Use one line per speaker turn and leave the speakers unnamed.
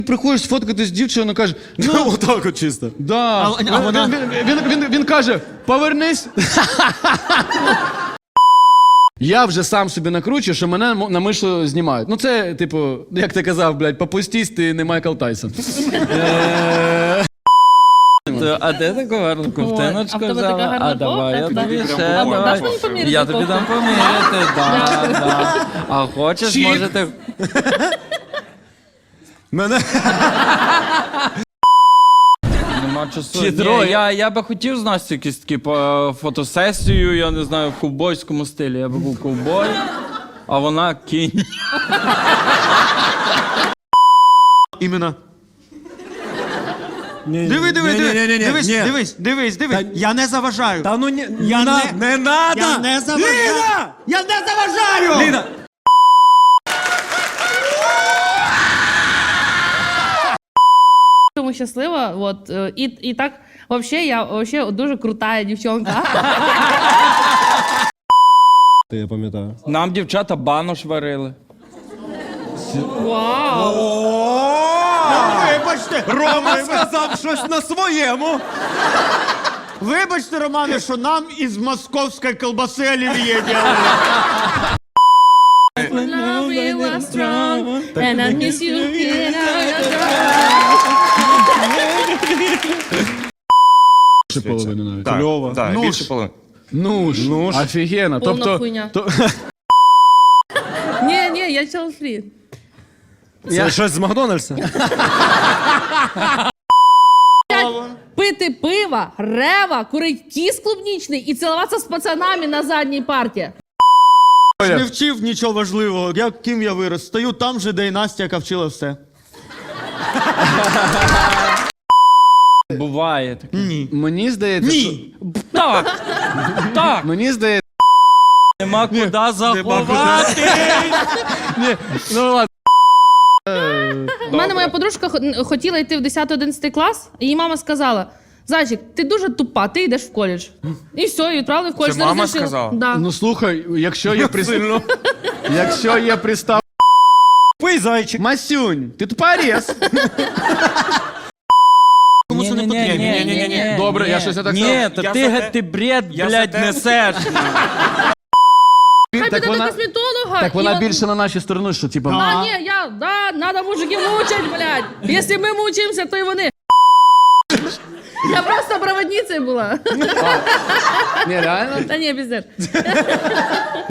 Приходиш сфоткатись з дівчиною, каже, ну,
Отак от чисто.
да. Він каже, повернись. Я вже сам собі накручую, що мене на мишу знімають. Ну це, типу, як ти казав, блядь, попустись, ти не Майкл Тайсон.
А де таку гарну ковтиночку
а в тебе така
взяла?
гарна
А давай, я
кофта?
тобі ще,
А
давай.
даш мені поміряти
Я тобі
кофту?
дам поміряти, да. А хочеш,
Чік.
можете...
Мене...
Нема часу.
Чи
Ні,
троє?
я би хотів з Настю якусь таку фотосесію, я не знаю, в ковбойському стилі. Я би був ковбой, а вона кінь.
Іменно.
Диви,
Дивись. Я не заважаю.
Та ну не
Я
не надо!
Я не заважаю.
Ліна!
Я не заважаю!
Ліна!
Тому щаслива, от, і так, вообще, я вообще дуже крутая дівчонка.
Я пам'ятаю.
Нам дівчата банош варили.
Вау!
Вибачте,
Рома сказав щось на своєму.
вибачте, Романе, що нам із московської колбаси олів'є делали.
Love you was strong, and I miss you here.
Більше половини навіть.
Кльово.
Так,
Ну
більше
ж.
половини.
Ну ж, офігенно.
Повна хуйня. Ні, я child-free.
Це щось з Макдональдса?
Пити пиво, рева, курить кіс клубнічний і цілуватися з пацанами на задній парті.
Не вчив нічого важливого. Ким я вирос? Стою там же, де і Настя, яка вчила все.
Буває таке.
Мені здається, що...
Так,
Мені здається...
нема куди заховати.
Ну ладно.
У мене моя подружка хотіла йти в 10-11 клас, і її мама сказала: Зайчик, ти дуже тупа, ти йдеш в коледж. І все, і відправили в коледж.
Це
Не
мама
розрішила.
сказала?
Да.
Ну слухай, якщо є пристав...
Пий, зайчик.
Масюнь, ти тупорез.
Ні.
Добре, я щось не так
Ні,
сказав.
та
Я
ти,
за те-
ти бред,
я за
блядь,
те-
несеш.
Хай
Так
піде до
вона-
косметолога.
Так
і
вона
от-
більше на нашій стороні, що типа...
А, ні, надо мужиків мучать, блядь. Якщо ми мучаємося, то і вони. Я просто проводницею була.
Ні, реально?
Та ні, пиздец.